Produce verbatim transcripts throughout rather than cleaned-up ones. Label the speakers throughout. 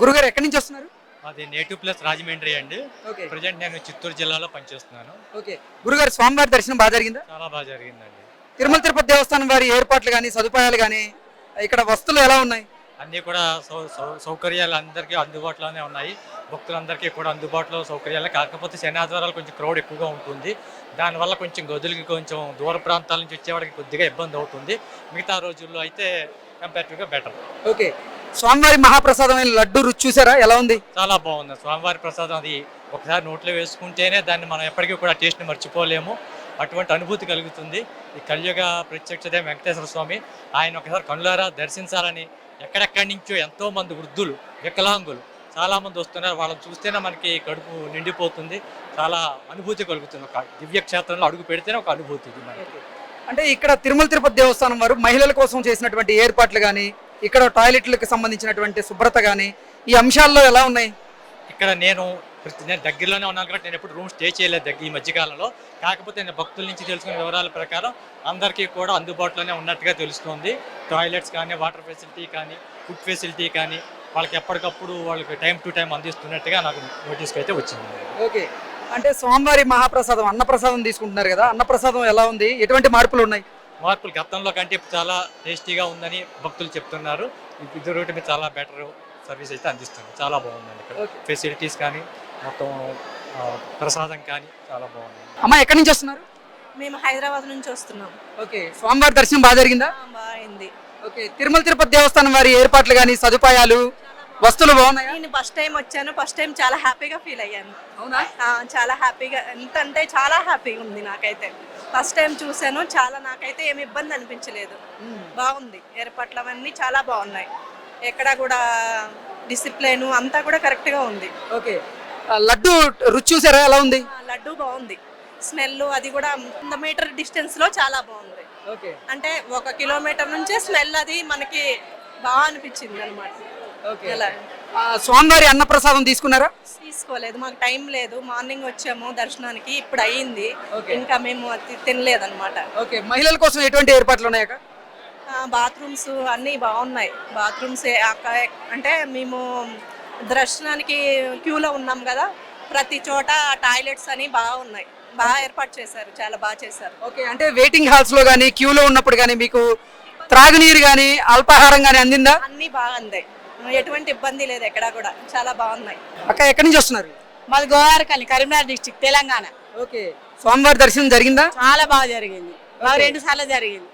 Speaker 1: గురుగారు ఎక్కడి నుంచి వస్తున్నారు?
Speaker 2: అది నేటివ్ ప్లస్ రాజమండ్రి అండి.
Speaker 1: ఓకే.
Speaker 2: ప్రజెంట్ నేను చిత్తూరు జిల్లాలో పనిచేస్తున్నాను.
Speaker 1: ఓకే. గురుగారు స్వామివారి దర్శనం బాగా జరిగిందా?
Speaker 2: చాలా బాగా జరిగిందండి.
Speaker 1: తిరుమల తిరుపతి దేవస్థానం వారి ఏర్పాట్లు కానీ సదుపాయాలు కానీ ఇక్కడ వస్తువులు ఎలా ఉన్నాయి?
Speaker 2: అన్నీ కూడా సౌ సౌ- సౌకర్యాలు అందరికీ అందుబాటులోనే ఉన్నాయి. భక్తులందరికీ కూడా అందుబాటులో సౌకర్యాలు, కాకపోతే శని ఆదివారాలు కొంచెం క్రౌడ్ ఎక్కువగా ఉంటుంది. దానివల్ల కొంచెం గదులకి కొంచెం దూర ప్రాంతాల నుంచి వచ్చేవాడికి కొద్దిగా ఇబ్బంది అవుతుంది. మిగతా రోజుల్లో అయితే కంపారిటివ్గా బెటర్.
Speaker 1: ఓకే. స్వామివారి మహాప్రసాదమైన లడ్డు రుచి చూసారా? ఎలా ఉంది?
Speaker 2: చాలా బాగుంది. స్వామివారి ప్రసాదం అది ఒకసారి నోట్లో వేసుకుంటేనే దాన్ని మనం ఎప్పటికీ కూడా టేస్ట్ని మర్చిపోలేము. అటువంటి అనుభూతి కలుగుతుంది. ఈ కలియుగ ప్రత్యక్షదే వెంకటేశ్వర స్వామి, ఆయన ఒకసారి కనులారా దర్శించాలని ఎక్కడెక్కడి నుంచో ఎంతో మంది వృద్ధులు, వికలాంగులు చాలామంది వస్తున్నారు. వాళ్ళని చూస్తేనే మనకి కడుపు నిండిపోతుంది. చాలా అనుభూతి కలుగుతుంది. ఒక దివ్య క్షేత్రంలో అడుగు పెడితేనే ఒక అనుభూతి ఇది మనకి.
Speaker 1: అంటే ఇక్కడ తిరుమల తిరుపతి దేవస్థానం వారు మహిళల కోసం చేసినటువంటి ఏర్పాట్లు కానీ ఇక్కడ టాయిలెట్లకు సంబంధించినటువంటి శుభ్రత కానీ ఈ అంశాల్లో ఎలా ఉన్నాయి?
Speaker 2: ఇక్కడ నేను ప్రతి నేను దగ్గరలోనే ఉన్నాను కాబట్టి నేను ఎప్పుడు రూమ్ స్టే చేయలేదు దగ్గర ఈ మధ్యకాలంలో. కాకపోతే నేను భక్తుల నుంచి తెలుసుకున్న వివరాల ప్రకారం అందరికీ కూడా అందుబాటులోనే ఉన్నట్టుగా తెలుస్తుంది. టాయిలెట్స్ కానీ, వాటర్ ఫెసిలిటీ కానీ, ఫుడ్ ఫెసిలిటీ కానీ వాళ్ళకి ఎప్పటికప్పుడు వాళ్ళకి టైం టు టైం అందిస్తున్నట్టుగా నాకు నోటీస్కి అయితే వచ్చింది.
Speaker 1: ఓకే. అంటే స్వామివారి మహాప్రసాదం అన్నప్రసాదం తీసుకుంటున్నారు కదా, అన్నప్రసాదం ఎలా ఉంది? ఎటువంటి మార్పులు ఉన్నాయి?
Speaker 2: మార్పులు గతంలో కంటే ఇప్పుడు చాలా టేస్టీగా ఉందని భక్తులు చెప్తున్నారు. ఇది రోడ్డు మీద చాలా బెటర్ సర్వీస్ అయితే అందిస్తుంది. చాలా బాగుందండి ఇక్కడ ఫెసిలిటీస్ కానీ, మొత్తం ఆ, ప్రసాదం కానీ చాలా బాగుంది.
Speaker 1: అమ్మ ఎక్కడి నుంచి వస్తున్నారు?
Speaker 3: మేము హైదరాబాద్ నుంచి వస్తున్నాం.
Speaker 1: ఓకే. స్వామివారి దర్శనం బాగా జరిగిందా?
Speaker 3: బాగుంది.
Speaker 1: ఓకే. తిరుమల తిరుపతి దేవస్థానం వారి ఏర్పాట్లు కానీ సదుపాయాలు వస్తువులు బాగున్నాయా?
Speaker 3: నేను ఫస్ట్ టైం వచ్చాను. ఫస్ట్ టైం చాలా హ్యాపీగా ఫీల్ అయ్యాను.
Speaker 1: అవునా?
Speaker 3: ఆ, చాలా హ్యాపీగా, ఎంత అంటే చాలా హ్యాపీగా ఉంది నాకైతే. ఫస్ట్ టైం చూసాను. చాలా నాకైతే ఏమి ఇబ్బంది అనిపించలేదు. బాగుంది. ఏర్పాట్లు అవన్నీ చాలా బాగున్నాయి. ఎక్కడ కూడా డిసిప్లిన్ అంతా కూడా కరెక్ట్గా ఉంది.
Speaker 1: ఓకే. ఆ, లడ్డు రుచి చూసారా? ఎలా ఉంది?
Speaker 3: ఆ, లడ్డు బాగుంది. స్మెల్ అది కూడా వంద మీటర్ డిస్టెన్స్ లో చాలా బాగుంది.
Speaker 1: ఓకే.
Speaker 3: అంటే ఒక కిలోమీటర్ నుంచే స్మెల్ అది మనకి బాగా అనిపించింది అనమాట.
Speaker 1: ఓకే.
Speaker 3: ఎలా
Speaker 1: ఆ, స్వామివారి అన్నప్రసాదం తీసుకున్నారా?
Speaker 3: తీసుకోలేదు, మాకు టైం లేదు. మార్నింగ్ వచ్చాము దర్శనానికి, ఇప్పుడు అయ్యింది.
Speaker 1: ఓకే.
Speaker 3: ఇంకా మేము అది తినలేదన్నమాట.
Speaker 1: ఓకే. మహిళల కోసం ఎటువంటి ఏర్పాట్లు ఉన్నాయా?
Speaker 3: బాత్రూమ్స్ అన్నీ బాగున్నాయి. బాత్రూమ్స్ అంటే మేము దర్శనానికి క్యూలో ఉన్నాం కదా, ప్రతి చోట టాయిలెట్స్ అని బాగున్నాయి. బాగా ఏర్పాటు చేశారు, చాలా బాగా చేశారు.
Speaker 1: ఓకే. అంటే వెయిటింగ్ హాల్స్ లో కానీ క్యూలో ఉన్నప్పుడు కానీ మీకు త్రాగునీరు కానీ అల్పాహారం కానీ అందిందా?
Speaker 3: అన్నీ బాగా అందాయి. ఎటువంటి ఇబ్బంది లేదు ఎక్కడా కూడా. చాలా బాగున్నాయి.
Speaker 1: అక్క ఎక్కడి నుంచి వస్తున్నారు?
Speaker 4: మాది గోవారకల్లి, కరీంనగర్ డిస్ట్రిక్ట్, తెలంగాణ.
Speaker 1: ఓకే. స్వామివారి దర్శనం జరిగిందా?
Speaker 4: చాలా బాగా జరిగింది. బాగా రెండు సార్లు జరిగింది.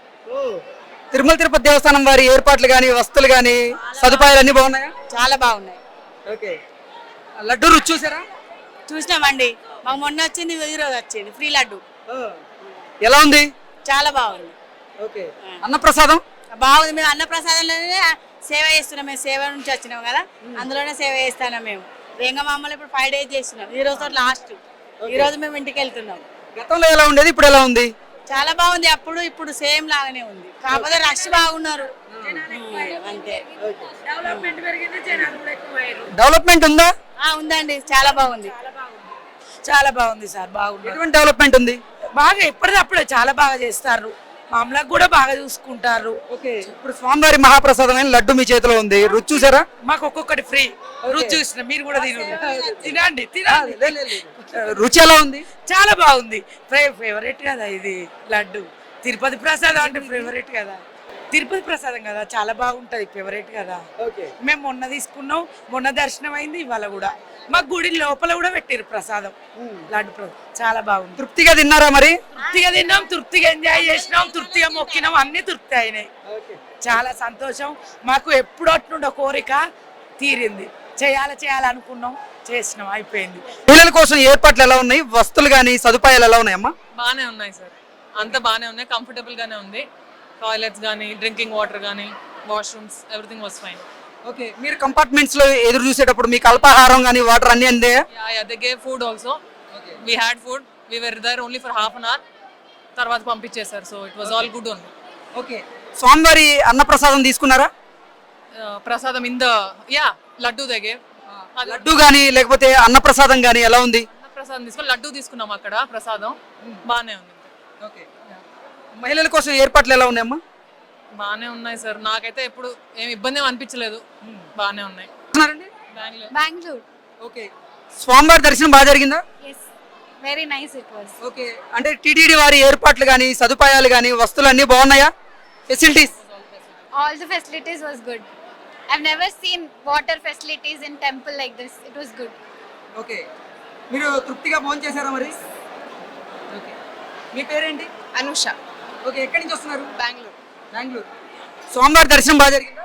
Speaker 1: తిరుమల తిరుపతి దేవస్థానం వారి ఏర్పాట్లు కానీ వస్తువులు కానీ సదుపాయాలు అన్ని బాగున్నాయా?
Speaker 4: చాలా బాగున్నాయి.
Speaker 1: ఓకే. లడ్డు రుచి చూసారా?
Speaker 4: చూసినామండి. మాకు మొన్న వచ్చింది, ఈ రోజు వచ్చింది ఫ్రీ లడ్డు.
Speaker 1: ఎలా ఉంది?
Speaker 4: చాలా బాగుంది.
Speaker 1: ఓకే. అన్నప్రసాదం
Speaker 4: బాగుంది. మేము అన్న ప్రసాదంలోనే సేవ చేస్తున్నాం. మేము సేవ నుంచి వచ్చినాం కదా, అందులోనే సేవ చేస్తున్నాం. మేము వేంగమామలు ఇప్పుడు ఫైవ్ డేస్ చేస్తున్నాం. ఈ రోజు లాస్ట్. ఈ రోజు మేము ఇంటికి వెళ్తున్నాం.
Speaker 1: గతంలో ఎలా ఉండేది, ఇప్పుడు ఎలా ఉంది?
Speaker 4: చాలా బాగుంది. అప్పుడు ఇప్పుడు సేమ్ లాగానే ఉంది, కాకపోతే రష్ బాగున్నారు అంతే.
Speaker 1: డెవలప్మెంట్ ఉందా?
Speaker 4: ఆ, ఉందండి. చాలా బాగుంది.
Speaker 5: చాలా బాగుంది సార్. బాగుంది.
Speaker 1: ఎటువంటి డెవలప్మెంట్ ఉంది?
Speaker 5: బాగా ఎప్పటిదప్పుడే చాలా బాగా చేస్తారు. మామూలుగా కూడా బాగా చూసుకుంటారు.
Speaker 1: ఓకే. ఇప్పుడు స్వామివారి మహాప్రసాదమైన లడ్డు మీ చేతిలో ఉంది, రుచి చూసారా?
Speaker 5: మాకు ఒక్కొక్కటి ఫ్రీ. రుచి చూసిన మీరు కూడా తినండి. తినండి తినండి.
Speaker 1: రుచి ఎలా ఉంది?
Speaker 5: చాలా బాగుంది. ఫేవరెట్ కదా ఇది లడ్డు. తిరుపతి ప్రసాదం అంటే ఫేవరెట్ కదా. తిరుపతి ప్రసాదం కదా, చాలా బాగుంటది. ఫేవరెట్ కదా. మేము మొన్న తీసుకున్నాం, మొన్న దర్శనం అయింది. ఇవాళ కూడా మా గుడి లోపల కూడా పెట్టారు ప్రసాదం, లడ్డు ప్రసాదం. చాలా బాగుంది.
Speaker 1: తృప్తిగా తిన్నారా మరి?
Speaker 5: తృప్తిగా తిన్నాం, తృప్తిగా ఎంజాయ్ చేసినాం, తృప్తిగా మొక్కినాం, అన్ని తృప్తి అయినాయి. చాలా సంతోషం. మాకు ఎప్పుడు అట్నుండో కోరిక తీరింది. చేయాలి చేయాలనుకున్నాం, చేసినాం, అయిపోయింది.
Speaker 1: పిల్లల కోసం ఏర్పాట్లు ఎలా ఉన్నాయి? వస్తువులు కానీ సదుపాయాలు ఎలా ఉన్నాయమ్మా?
Speaker 6: బాగానే ఉన్నాయి సార్. అంతా బాగానే ఉన్నాయి. కంఫర్టబుల్ గానే ఉంది. టాయిలెట్స్ కానీ, డ్రింకింగ్ వాటర్ కానీ, washrooms, everything was fine.
Speaker 1: Okay. మీరు కంపార్ట్మెంట్స్ లో ఎదురు చూసేటప్పుడు మీకు అల్పాహారం కానీ వాటర్ అన్ని అందే?
Speaker 6: Yeah yeah they gave food also. We had food. We were there only for half an hour. తర్వాత పంపించేశారు. So it was all good only.
Speaker 1: Okay. స్వామివారి అన్నప్రసాదం తీసుకున్నారా?
Speaker 6: Prasadam in the yeah laddu they gave.
Speaker 1: Laddu కానీ లేకపోతే అన్నప్రసాదం కానీ ఎలా ఉంది?
Speaker 6: ప్రసాదం తీసుకుని లడ్డు తీసుకున్నాం అక్కడ. ప్రసాదం బాగానే ఉంది.
Speaker 1: ఓకే. మహిళల కోసం ఏర్పాట్లు ఎలా ఉన్నాయమ్మా?
Speaker 6: బాగానే ఉన్నాయి సార్. నాకైతే ఎప్పుడు ఏమి ఇబ్బంది ఏమి అనిపించలేదు. బాగానే ఉన్నాయి. బెంగళూరు.
Speaker 7: Bangalore.
Speaker 1: ఓకే, స్వామివారి దర్శనం బాగా జరిగిందా?
Speaker 7: Yes, very nice it was.
Speaker 1: Okay, అంటే టీటీడీ వారి ఏర్పాట్లు కానీ సదుపాయాలు కానీ వస్తువులు అన్నీ బాగున్నాయా? Facilities?
Speaker 7: All the facilities was good. I've never seen water facilities in temple like this. It was good.
Speaker 1: Okay, మీరు తృప్తిగా భోజనం చేశారా మరి? ఓకే, మీ పేరేంటి?
Speaker 3: అనుష,
Speaker 1: ఓకే, ఎక్కడి నుంచి వస్తున్నారు?
Speaker 3: బెంగళూరు.
Speaker 1: బెంగళూరు. స్వామివారి దర్శనం బాగా జరిగిందా?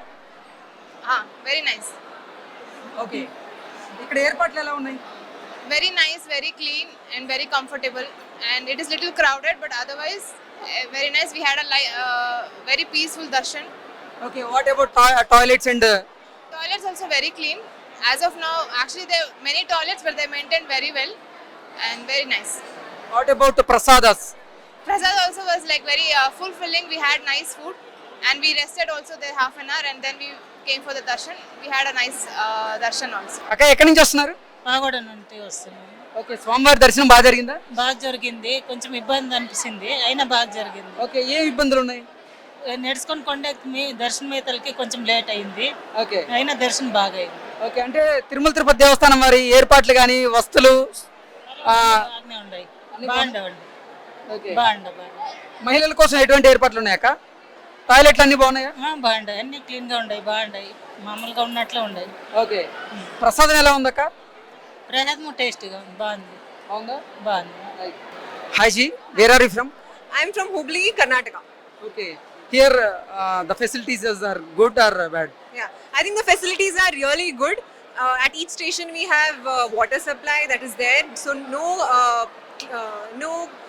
Speaker 3: వెరీ నైస్,
Speaker 1: ఓకే, ఇక్కడ ఏర్పాట్లు ఎలా ఉన్నాయి?
Speaker 3: very nice, very clean and very comfortable, and it is little crowded but otherwise uh, very nice. We had a li- uh, very peaceful darshan.
Speaker 1: Okay, what about toilets and
Speaker 3: Toilets also very clean. As of now, actually there are many toilets but they maintained very well and very nice.
Speaker 1: What about prasadas?
Speaker 3: Prasad also was like very uh, fulfilling. We had nice food and we rested also there half an hour and then we came for the darshan. We had a nice uh, darshan also.
Speaker 1: అక్క ఎక్కడి నుంచి వస్తున్నారు?
Speaker 8: పాగోడ నుండి వస్తున్నాను.
Speaker 1: Okay, స్వామివారి దర్శనం బాగా జరిగిందా?
Speaker 8: బాగా జరిగింది, కొంచెం ఇబ్బంది అనిపిస్తుంది, అయినా బాగా జరిగింది.
Speaker 1: ఓకే, ఏ ఇబ్బందులు ఉన్నాయి?
Speaker 8: నడుచుకొని కొండకి మీ దర్శనం మేతలకి కొంచెం లేట్ అయింది,
Speaker 1: ఓకే
Speaker 8: అయినా దర్శనం బాగా అయింది.
Speaker 1: ఓకే, అంటే తిరుమల తిరుపతి దేవస్థానం వారి ఏర్పాట్లు కానీ వస్తువులు ఆ,
Speaker 8: బాగానే ఉన్నాయి, బాగుండవండి,
Speaker 1: ఓకే,
Speaker 8: బాగుండ బాగుండ
Speaker 1: మహిళల కోసం ఎటువంటి ఏర్పాట్లు ఉన్నాయక్క? టాయిలెట్లు అన్ని బాగున్నాయా?
Speaker 8: బాగుండాయి, అన్ని క్లీన్ గా ఉన్నాయి, బాగుండాయి, మామూలుగా ఉన్నట్లే ఉన్నాయి.
Speaker 1: ఓకే, ప్రసాదం ఎలా ఉందక్క?
Speaker 8: ప్రసాదం టేస్టీగా ఉంది, బాగుంది,
Speaker 1: అవునా?
Speaker 8: బాగుంది.
Speaker 1: Hi ji, where are you from?
Speaker 3: I am from Hubli, Karnataka.
Speaker 1: Okay, here the facilities are good or bad?
Speaker 3: Yeah, I think the facilities are really good. Uh, at each station we have uh, water supply that is there, so no uh, uh, no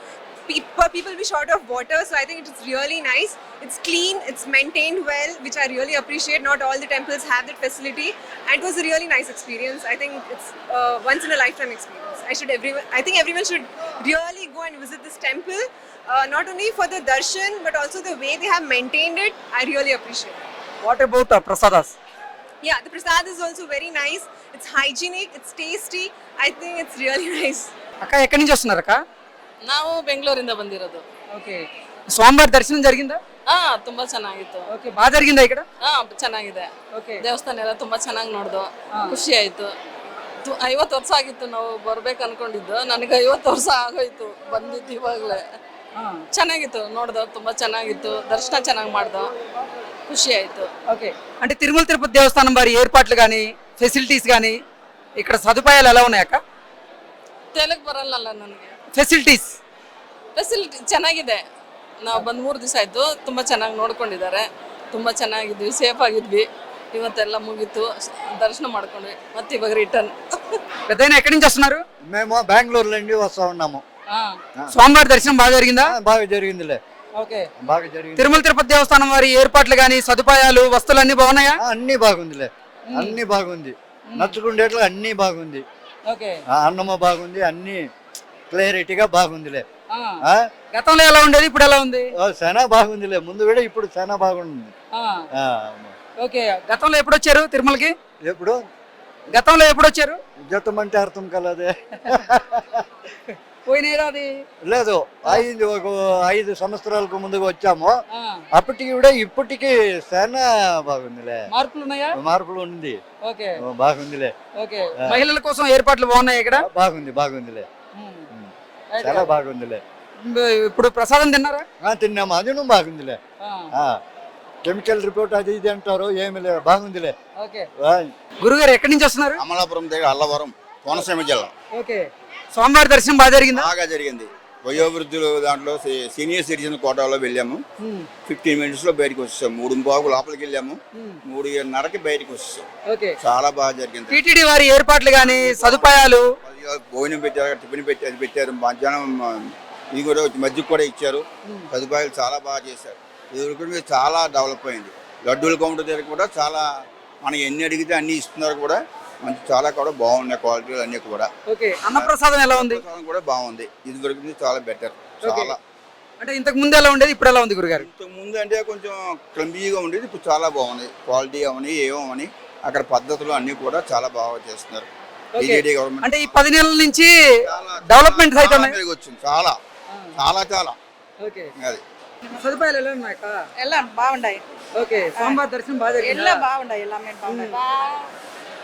Speaker 3: pe- people will be short of water. So I think it is really nice. It's clean, it's maintained well, which I really appreciate. Not all the temples have that facility, and it was a really nice experience. I think it's uh, once in a lifetime experience. I should everyone. I think everyone should really go and visit this temple. Uh, not only for the darshan, but also the way they have maintained it. I really appreciate.
Speaker 1: What about prasadas?
Speaker 3: Yeah, the prasad is also very nice. It's hygienic, it's tasty. I think it's really nice.
Speaker 1: అక్క ఎక్కడి నుంచి వస్తున్నారు అక్క?
Speaker 9: ನಾವು ಬೆಂಗಳೂರಿಂದ ಬಂದಿರೋದು.
Speaker 1: Okay, స్వామివారి దర్శనం జరిగిందా?
Speaker 9: ಹಾ, ತುಂಬಾ ಚೆನ್ನಾಗಿತ್ತು.
Speaker 1: ఓకే, బాగా జరిగిందా ఇక్కడ?
Speaker 9: ಹಾ, ಚೆನ್ನಾಗಿದೆ.
Speaker 1: ఓకే,
Speaker 9: ದೇವಸ್ಥಾನ ಎಲ್ಲ ತುಂಬಾ ಚೆನ್ನಾಗಿ ನೋಡ್ದು, ಖುಷಿ ಆಯ್ತು. ತು- ಐವತ್ತು ವರ್ಷ ಆಗಿತ್ತು ನಾವು ಬರ್ಬೇಕು ಅನ್ಕೊಂಡಿದ್ದು, ನನಗೆ ಐವತ್ತು ವರ್ಷ ಆಗೋಯ್ತು ಬಂದಿದ್ದು ಇವಾಗಲೇ. ಚೆನ್ನಾಗಿತ್ತು, ನೋಡ್ದು ತುಂಬಾ ಚೆನ್ನಾಗಿತ್ತು, ದರ್ಶನ ಚೆನ್ನಾಗಿ ಮಾಡ್ದು, ಖುಷಿ ಆಯ್ತು.
Speaker 1: ఓకే, అంటే తిరుమల తిరుపతి దేవస్థానం వారి ఏర్పాట్లు కానీ ఫెసిలిటీస్ కానీ ఇక్కడ సదుపాయాలు ఎలా ఉన్నాయి అక్క?
Speaker 9: ತೆಲುಗು ಬರಲ್ಲಲ್ಲ ನನಗೆ.
Speaker 1: ఫెసిలిటీస్?
Speaker 9: ಫೆಸಿಲಿಟಿ ಚೆನ್ನಾಗಿದೆ, ನಾವು ಬಂದು ಮೂರು ದಿವಸ ಆಯ್ತು, ತುಂಬಾ ಚೆನ್ನಾಗಿ ನೋಡ್ಕೊಂಡಿದ್ದಾರೆ, ತುಂಬಾ ಚೆನ್ನಾಗಿದ್ವಿ, ಸೇಫ್ ಆಗಿದ್ವಿ. ಇವತ್ತೆಲ್ಲ ಮುಗೀತು, దర్శనం ಮಾಡ್ಕೊಂಡ್ವಿ, ಮತ್ತೆ ಇವಾಗ ರಿಟರ್ನ್.
Speaker 1: పెద్దయినా ఎక్కడి నుంచి వస్తున్నారు?
Speaker 10: మేము బెంగళూరు నుండి వస్తా ఉన్నాము.
Speaker 1: స్వామివారి దర్శనం బాగా జరిగిందా?
Speaker 10: బాగా జరిగిందిలే,
Speaker 1: ఓకే,
Speaker 10: బాగా జరిగింది.
Speaker 1: తిరుమల తిరుపతి దేవస్థానం వారి ఏర్పాట్లు కానీ సదుపాయాలు వస్తువులు అన్ని బాగున్నాయా?
Speaker 10: అన్ని బాగుందిలే, అన్ని బాగుంది, నచ్చుకుండేట్లు అన్ని బాగుంది.
Speaker 1: ఓకే,
Speaker 10: అన్నము బాగుంది, అన్ని క్లారిటీగా బాగుందిలే.
Speaker 1: గతంలో ఎలా ఉండేది, ఇప్పుడు ఎలా ఉంది?
Speaker 10: చాలా బాగుందిలే, ముందు కూడా ఇప్పుడు చాలా బాగుంది.
Speaker 1: ఓకే, గతంలో ఎప్పుడు వచ్చారు తిరుమలకి?
Speaker 10: ఎప్పుడు
Speaker 1: గతంలో ఎప్పుడు వచ్చారు?
Speaker 10: జతం అంటే అర్థం కలదే.
Speaker 1: పోయిన ఏడాది
Speaker 10: లేదు, ఐదు ఒక ఐదు సంవత్సరాలకు ముందుకు వచ్చాము, అప్పటికి కూడా ఇప్పటికి చాలా బాగుందిలే,
Speaker 1: మార్పులు ఉన్నాయా?
Speaker 10: మార్పులు ఉంది.
Speaker 1: ఓకే,
Speaker 10: బాగుందిలే.
Speaker 1: ఓకే, మహిళల కోసం ఏర్పాట్లు బాగున్నాయి ఇక్కడ?
Speaker 10: బాగుంది, బాగుందిలే, చాలా బాగుందిలే.
Speaker 1: ఇప్పుడు ప్రసాదం తిన్నారా?
Speaker 10: తిన్నాము, అది నువ్వు బాగుందిలే. కెమికల్ రిపోర్ట్ అది ఇది అంటారు, ఏమి లేదు, బాగుందిలే.
Speaker 1: ఓకే, గురుగారు ఎక్కడి నుంచి వస్తున్నారు?
Speaker 11: అమలాపురం దగ్గర అల్లవరం, కోనసీమ జిల్లా.
Speaker 1: ఓకే, స్వామివారి దర్శనం బాగా జరిగిందా?
Speaker 11: బాగా జరిగింది. వయోవృద్ధులు దాంట్లో సీనియర్ సిటిజన్ కోటాలో వెళ్ళాము, ఫిఫ్టీన్ మినిట్స్ లో బయటకు వచ్చేసాం. మూడు బాగు లోపలికి వెళ్ళాము, మూడున్నరకి బయటకు వచ్చేసాం.
Speaker 1: ఓకే,
Speaker 11: చాలా బాగా జరిగింది.
Speaker 1: టీటీడీ వారి ఏర్పాట్లు కానీ సదుపాయాలు,
Speaker 11: భోజనం పెట్టారు, టిఫిన్ పెట్టి అది పెట్టారు, మధ్యాహ్నం ఇది కూడా మధ్యకు కూడా ఇచ్చారు, సదుపాయాలు చాలా బాగా చేశారు. ఇది చాలా డెవలప్ అయింది. లడ్డూల కౌంటర్ దగ్గర కూడా చాలా, మనం ఎన్ని అడిగితే అన్ని ఇస్తున్నారు కూడా, మంచి చాలా కూడా బాగున్నాయి క్వాలిటీలు అన్ని కూడా.
Speaker 1: ఓకే, అన్నప్రసాదం ఎలా ఉంది?
Speaker 11: కూడా బాగుంది, ఇది దొరికింది చాలా బెటర్. చాలా
Speaker 1: అంటే ఇంతకు ముందు ఎలా ఉండేది, ఇప్పుడు ఎలా ఉంది గురుగారు?
Speaker 11: ఇంతకు ముందు అంటే కొంచెం క్లంబీగా ఉండేది, ఇప్పుడు చాలా బాగుంది. క్వాలిటీ అవని ఏమని అక్కడ పద్ధతులు అన్ని కూడా చాలా బాగా చేస్తున్నారు.
Speaker 1: అంటే ఈ పది నెలల నుంచి డెవలప్మెంట్ అయితే
Speaker 11: వచ్చింది, చాలా చాలా చాలా.
Speaker 1: ఓకే,
Speaker 11: అది
Speaker 1: సదుపాయాలు ఎలా ఉన్నాయి?
Speaker 3: ಎಲ್ಲ ಬಾಗುಂಡಾಯಿ.
Speaker 1: ఓకే, స్వామివారి దర్శనం బాగా జరిగిందా?
Speaker 3: ಎಲ್ಲ ಬಾಗುಂಡಾಯಿ, ಎಲ್ಲ ಮೇಲೆ ಬಾಗುಂಡಾಯಿ.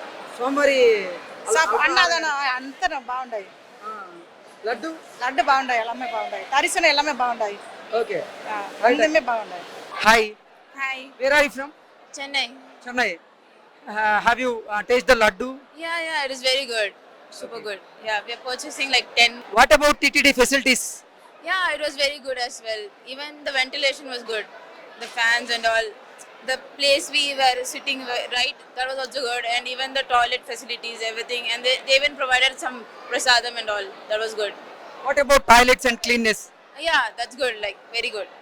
Speaker 1: స్వామివారి
Speaker 3: అన్నదాన అంతా బాగుంటాయి.
Speaker 1: లడ్డు
Speaker 3: లడ్డు బాగుంటాయి, ఎల్లమ్మే బాగుంటాయి, తరిసిన ఎల్లమ్మే బాగుంటాయి,
Speaker 1: ఓకే.
Speaker 3: అందమే బాగుంటాయి.
Speaker 1: Hi,
Speaker 4: hi,
Speaker 1: where are you from?
Speaker 4: Chennai.
Speaker 1: Chennai. Uh, have you uh, tasted the laddu?
Speaker 4: Yeah, yeah, it is very good. Super good. Yeah, we are purchasing like ten.
Speaker 1: What about T T D facilities?
Speaker 4: Yeah, it was very good as well. Even the ventilation was good. The fans and all. The place we were sitting wa- right, that was also good. And even the toilet facilities, everything. And they, they even provided some prasadam and all. That was good.
Speaker 1: What about toilets and cleanness?
Speaker 4: Yeah, that's good. Like, very good.